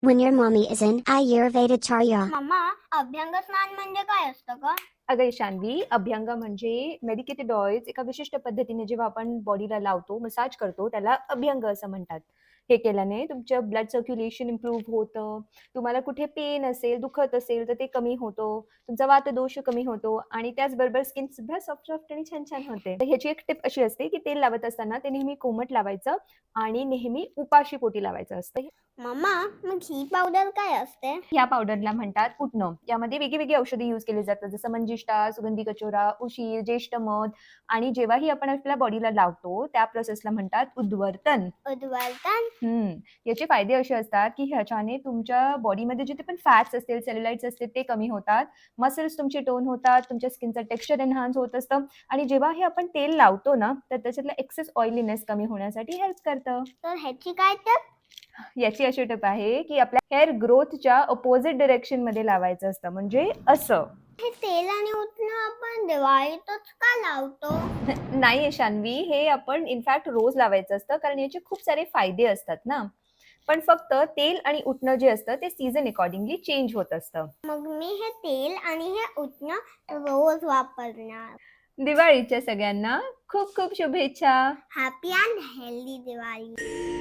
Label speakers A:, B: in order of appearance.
A: When your mommy is in Ayurveda Charya.
B: Mamma, अभ्यंग स्नान म्हणजे काय असतं ग?
C: अगं ईशान्वी, अभ्यंग म्हणजे मेडिकेटेड ऑइल्स एका विशिष्ट पद्धतीने जेव्हा आपण बॉडीला लावतो, मसाज करतो, त्याला अभ्यंग असं म्हणतात. हे केल्याने तुमचं ब्लड सर्क्युलेशन इम्प्रूव्ह होतं. तुम्हाला कुठे पेन असेल, दुखत असेल तर ते कमी होतो. तुमचा वातदोष कमी होतो आणि त्याचबरोबर स्किन सुद्धा सॉफ्ट सॉफ्ट आणि छान छान होते. तर ह्याची एक टिप अशी असते की तेल लावत असताना ते नेहमी कोमट लावायचं आणि नेहमी उपाशी पोटी लावायचं असतं.
B: मम्मा, मग ही पावडर काय असते?
C: या पावडरला म्हणतात उटणं. यामध्ये वेगळी औषधी यूज केली जातात, जसं मंजिष्ठा, सुगंधी कचोरा, उशीर, ज्येष्ठ मध. आणि जेव्हाही आपण आपल्या बॉडीला लावतो त्या प्रोसेसला म्हणतात उद्वर्तन.
B: उद्वर्तन?
C: याचे फायदे असे असतात की ह्याच्याने तुमच्या बॉडीमध्ये जिथे पण फॅट्स असतील, सेल्युलाइट्स असतील ते कमी होतात, मसल्स तुमचे टोन होतात, तुमच्या स्किनचं टेक्स्चर एनहान्स होत असतं आणि जेव्हा हे आपण तेल लावतो ना तर त्याच्यातलं एक्सेस ऑइलीनेस कमी होण्यासाठी हेल्प करतं.
B: तर ह्याची काय टिप?
C: याची अशी टिप आहे की आपल्या हेअर ग्रोथच्या अपोजिट डायरेक्शन मध्ये लावायचं असतं, म्हणजे असं.
B: हे तेल आणि उटणं आपण दिवाळीतच का लावतो?
C: नाही ईशान्वी, हे आपण इनफॅक्ट रोज लावायचं असतं कारण याचे खूप सारे फायदे असतात ना. पण फक्त तेल आणि उटणं जे असतं ते सीझन अकॉर्डिंगली चेंज होत असतं.
B: मग मी हे तेल आणि हे उटणं रोज वापरणार.
C: दिवाळीच्या सगळ्यांना खूप खूप शुभेच्छा.
B: Happy and healthy Diwali.